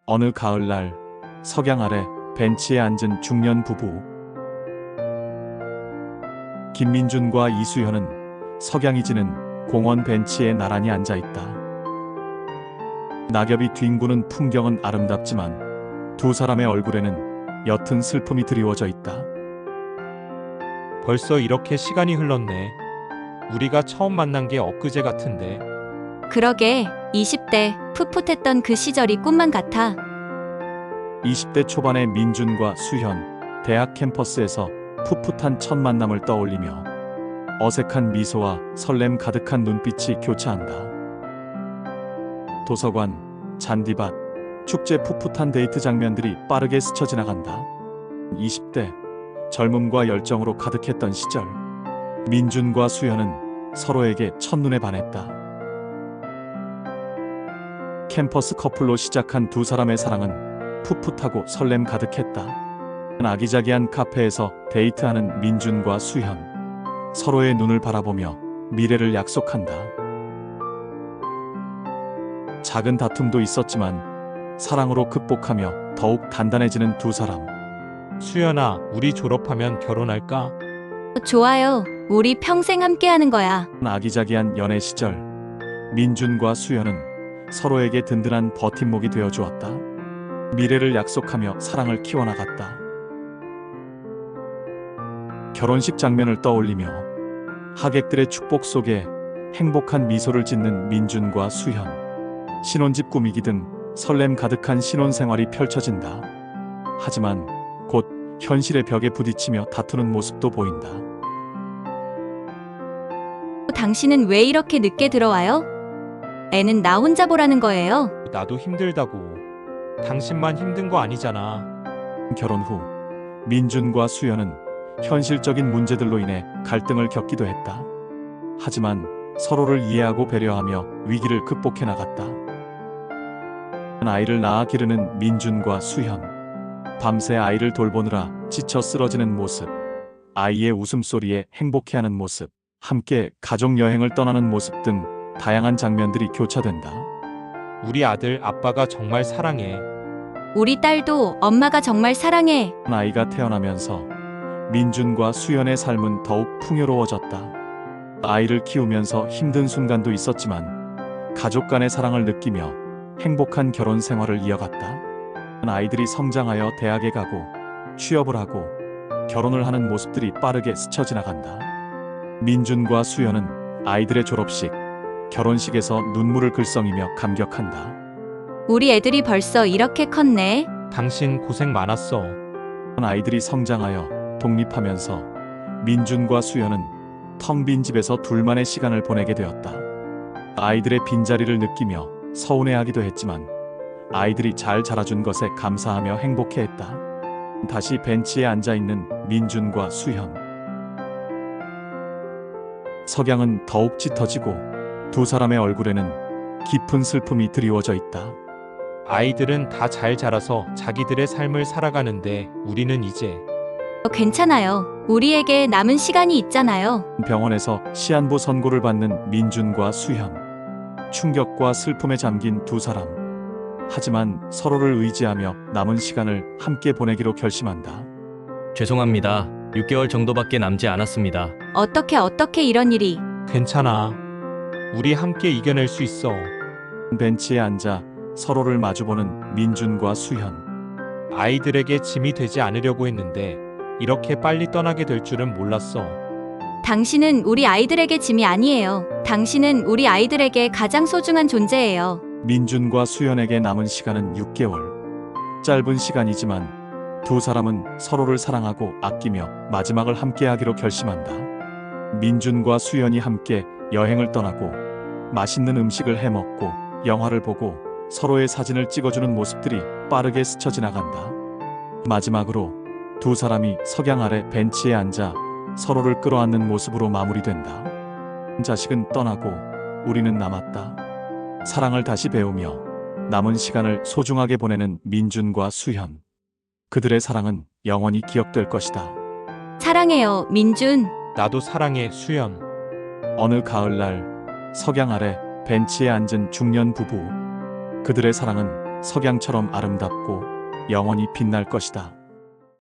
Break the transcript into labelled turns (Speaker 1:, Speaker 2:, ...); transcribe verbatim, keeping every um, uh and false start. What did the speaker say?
Speaker 1: 어느 가을날 석양 아래 벤치에 앉은 중년 부부. 김민준과 이수현은 석양이 지는 공원 벤치에 나란히 앉아있다. 낙엽이 뒹구는 풍경은 아름답지만 두 사람의 얼굴에는 옅은 슬픔이 드리워져 있다.
Speaker 2: 벌써 이렇게 시간이 흘렀네. 우리가 처음 만난 게 엊그제 같은데.
Speaker 3: 그러게, 이십 대 풋풋했던 그 시절이 꿈만 같아.
Speaker 1: 이십 대 초반의 민준과 수현, 대학 캠퍼스에서 풋풋한 첫 만남을 떠올리며 어색한 미소와 설렘 가득한 눈빛이 교차한다. 도서관, 잔디밭, 축제 풋풋한 데이트 장면들이 빠르게 스쳐 지나간다. 이십 대, 젊음과 열정으로 가득했던 시절. 민준과 수현은 서로에게 첫눈에 반했다. 캠퍼스 커플로 시작한 두 사람의 사랑은 풋풋하고 설렘 가득했다. 아기자기한 카페에서 데이트하는 민준과 수현. 서로의 눈을 바라보며 미래를 약속한다. 작은 다툼도 있었지만 사랑으로 극복하며 더욱 단단해지는 두 사람.
Speaker 2: 수연아, 우리 졸업하면 결혼할까?
Speaker 3: 좋아요. 우리 평생 함께하는 거야.
Speaker 1: 아기자기한 연애 시절. 민준과 수현은 서로에게 든든한 버팀목이 되어 주었다. 미래를 약속하며 사랑을 키워나갔다. 결혼식 장면을 떠올리며 하객들의 축복 속에 행복한 미소를 짓는 민준과 수현. 신혼집 꾸미기 등 설렘 가득한 신혼생활이 펼쳐진다. 하지만 곧 현실의 벽에 부딪히며 다투는 모습도 보인다.
Speaker 3: 당신은 왜 이렇게 늦게 들어와요? 애는 나 혼자 보라는 거예요.
Speaker 2: 나도 힘들다고. 당신만 힘든 거 아니잖아.
Speaker 1: 결혼 후 민준과 수연은 현실적인 문제들로 인해 갈등을 겪기도 했다. 하지만 서로를 이해하고 배려하며 위기를 극복해 나갔다. 아이를 낳아 기르는 민준과 수현. 밤새 아이를 돌보느라 지쳐 쓰러지는 모습. 아이의 웃음소리에 행복해하는 모습. 함께 가족 여행을 떠나는 모습 등 다양한 장면들이 교차된다.
Speaker 2: 우리 아들 아빠가 정말 사랑해.
Speaker 3: 우리 딸도 엄마가 정말 사랑해.
Speaker 1: 아이가 태어나면서 민준과 수연의 삶은 더욱 풍요로워졌다. 아이를 키우면서 힘든 순간도 있었지만 가족 간의 사랑을 느끼며 행복한 결혼 생활을 이어갔다. 아이들이 성장하여 대학에 가고 취업을 하고 결혼을 하는 모습들이 빠르게 스쳐 지나간다. 민준과 수연은 아이들의 졸업식, 결혼식에서 눈물을 글썽이며 감격한다.
Speaker 3: 우리 애들이 벌써 이렇게 컸네.
Speaker 2: 당신 고생 많았어.
Speaker 1: 아이들이 성장하여 독립하면서 민준과 수연은 텅 빈 집에서 둘만의 시간을 보내게 되었다. 아이들의 빈자리를 느끼며 서운해하기도 했지만 아이들이 잘 자라준 것에 감사하며 행복해했다. 다시 벤치에 앉아있는 민준과 수현. 석양은 더욱 짙어지고 두 사람의 얼굴에는 깊은 슬픔이 드리워져 있다.
Speaker 2: 아이들은 다 잘 자라서 자기들의 삶을 살아가는데 우리는 이제.
Speaker 3: 괜찮아요. 우리에게 남은 시간이 있잖아요.
Speaker 1: 병원에서 시한부 선고를 받는 민준과 수현. 충격과 슬픔에 잠긴 두 사람. 하지만 서로를 의지하며 남은 시간을 함께 보내기로 결심한다.
Speaker 4: 죄송합니다. 육 개월 정도밖에 남지 않았습니다.
Speaker 3: 어떻게 어떻게 이런 일이.
Speaker 2: 괜찮아. 우리 함께 이겨낼 수 있어.
Speaker 1: 벤치에 앉아 서로를 마주보는 민준과 수현.
Speaker 2: 아이들에게 짐이 되지 않으려고 했는데 이렇게 빨리 떠나게 될 줄은 몰랐어.
Speaker 3: 당신은 우리 아이들에게 짐이 아니에요. 당신은 우리 아이들에게 가장 소중한 존재예요.
Speaker 1: 민준과 수연에게 남은 시간은 육 개월. 짧은 시간이지만 두 사람은 서로를 사랑하고 아끼며 마지막을 함께하기로 결심한다. 민준과 수연이 함께 여행을 떠나고 맛있는 음식을 해먹고 영화를 보고 서로의 사진을 찍어주는 모습들이 빠르게 스쳐 지나간다. 마지막으로 두 사람이 석양 아래 벤치에 앉아 서로를 끌어안는 모습으로 마무리된다. 자식은 떠나고 우리는 남았다. 사랑을 다시 배우며 남은 시간을 소중하게 보내는 민준과 수현. 그들의 사랑은 영원히 기억될 것이다.
Speaker 3: 사랑해요, 민준.
Speaker 2: 나도 사랑해, 수연.
Speaker 1: 어느 가을날 석양 아래 벤치에 앉은 중년 부부. 그들의 사랑은 석양처럼 아름답고 영원히 빛날 것이다.